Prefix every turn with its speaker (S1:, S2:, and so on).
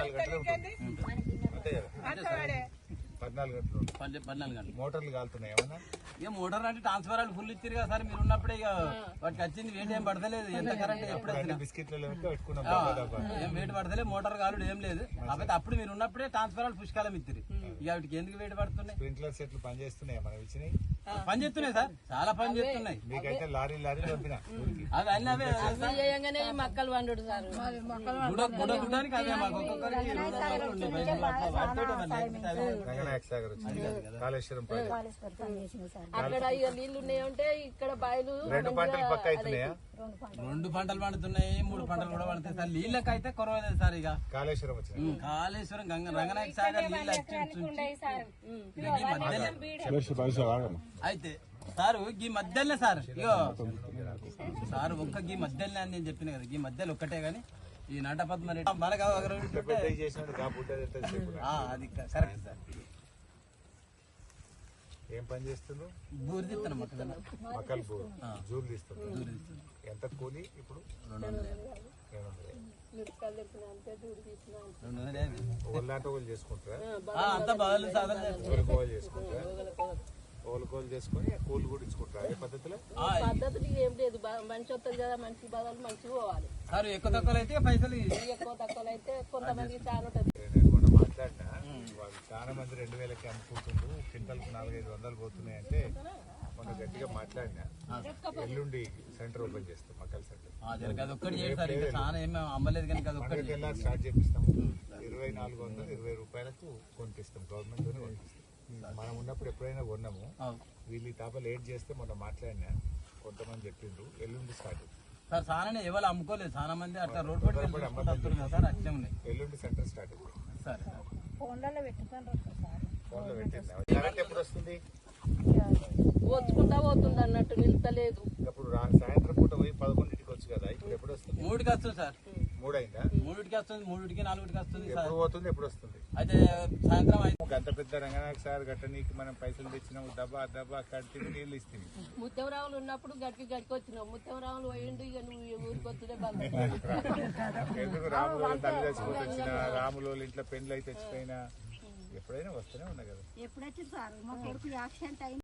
S1: 14 గంటలు ఉంటుంది అంతే కదా 14 గంటలు
S2: 14 గంటలు
S1: మోటార్లు కాలుతున్నాయి ఏమన్నా
S2: ఇక మోటార్ అంటే ట్రాన్స్ఫార్మర్ ఫుల్ ఇచ్చారు కదా సార్ మీరు ఉన్నప్పుడే ఇక వాటికి వచ్చింది వెయిట్ ఏం పడతలేదు ఎంత కరెంట్ ఎప్పుడు
S1: బిస్కెట్లలో పెట్టుకున్నాం
S2: ఏం వెయిట్ పడతలేదు మోటార్ కాలుడు ఏం లేదు కాకపోతే అప్పుడు మీరు ఉన్నప్పుడే ట్రాన్స్ఫార్మర్ పుష్కాలం ఇచ్చారు ఇక వాటికి ఎందుకు వెయిట్ పడుతున్నాయి
S1: స్ప్రింక్లర్ సెట్లు పనిచేస్తున్నాయి మనం ఇచ్చినాయి
S2: పని చేస్తున్నాయి సార్ చాలా పని చేస్తున్నాయి
S1: మీకైతే లారీ పంపిన
S2: అవి అన్ని అవే
S3: మక్కలు వండు సార్
S2: గుడానికి అవే మాకు ఒక్కొక్కరికి
S1: రంగనాయక సాగర్ వచ్చింది కాళేశ్వరం
S3: అక్కడ ఇక నీళ్లు ఉన్నాయంటే ఇక్కడ బాయిలు
S1: 2 పంటలు పక్క అవుతున్నాయా
S2: 2 పంటలు పండుతున్నాయి 3 పంటలు కూడా పడుతాయి సార్ నీళ్ళకైతే కొరవలేదు సార్ ఇక
S1: కాళేశ్వరం వచ్చింది
S2: కాళేశ్వరం రంగనాయక సాగర్ నీళ్ళు అయితే సార్ ఈ మధ్యలోనే సార్ ఇగో సార్ ఒక్క ఈ మధ్యలోనే అని నేను చెప్పిన కదా ఈ మధ్యలో ఒక్కటే గానీ ఈ నటపద్మ మనకు అది కరెక్ట్ సార్
S1: ఏం పని చేస్తున్నావు
S2: బూరు తీస్తాను
S1: మక్కలు బూరు జూలు తీస్తున్నావు ఎంత కూలి ఇప్పుడు 200 చేసుకుంటారా
S2: అంతా బాగా సాధన
S1: చేసుకుంటారా ఓలుకోలు చేసుకుని కూలి కూడా ఇచ్చుకుంటారా అదే పద్ధతిలో
S3: పద్ధతులు ఏం లేదు మంచి వస్తుంది కదా మంచి బదులు మంచిగా పోవాలి
S2: సార్ ఎక్కువ తక్కువ అయితే పైసలు
S3: ఎక్కువ తక్కువ అయితే కొంతమంది చాలా ఉంటుంది
S1: నేను మొన్న మాట్లాడినా వాళ్ళు చాలా మంది 2000కి అమ్ముకుంటుండ్రు క్వింటల్కి 400-500 పోతున్నాయి అంటే మొన్న గట్టిగా మాట్లాడినా ఎల్లుండి సెంటర్ ఓపెన్ చేస్తాం మక్కల సెంటర్
S2: అమ్మలేదు కానీ
S1: స్టార్ట్ చేపిస్తాము 2420 రూపాయలకు కొనిపిస్తాం గవర్నమెంట్ తోనే కొనిపిస్తాం మనం ఉన్నప్పుడు ఎప్పుడైనా కొన్నాము వీళ్ళు తాప లేట్ చేస్తే మొన్న మాట్లాడినా కొంతమంది చెప్పిండ్రు ఎల్లుండి స్టార్ట్
S2: సార్ చాలా ఎవరు అమ్ముకోలేదు చాలా మంది అట్లా రోడ్ పడి సార్ అట్లే ఉన్నాయి
S1: ఎల్లుండి సెంటర్ స్టార్ట్
S2: సార్
S1: ఫోన్లో పెట్టిందా ఎప్పుడు వస్తుంది
S3: వచ్చుకుంటా పోతుంది అన్నట్టు నిలుతలేదు
S1: ఇప్పుడు సాయంత్రం పూట పోయి 11కి వచ్చు కదా ఇప్పుడు ఎప్పుడు వస్తుంది
S2: 3కి వస్తుంది సార్
S1: 3 అయిందా
S2: 3కి వస్తుంది 3కి 4కి వస్తుంది
S1: ఎప్పుడు పోతుంది ఎప్పుడు వస్తుంది
S2: అయితే సాయంత్రం
S1: గంట పెద్ద రంగనాయక సార్ గట్టనీకి మనం పైసలు తెచ్చినాము దబ్బా కట్టి నీళ్ళు ఇస్తుంది
S3: ముత్యంరావులు ఉన్నప్పుడు గడికి వచ్చినావు ముత్యంరావులు పోయిండు ఇక నువ్వు ఊరికి వచ్చుడే బంద్
S1: ఎందుకు రాములో తల్లి చచ్చిపోతే వచ్చిన రాములో ఇంట్లో పెండ్లు అయితే తెచ్చిపోయినా ఎప్పుడైనా వస్తూనే ఉన్నా కదా
S4: ఎప్పుడొచ్చింది సార్ మా కొడుకు యాక్సిడెంట్ అయింది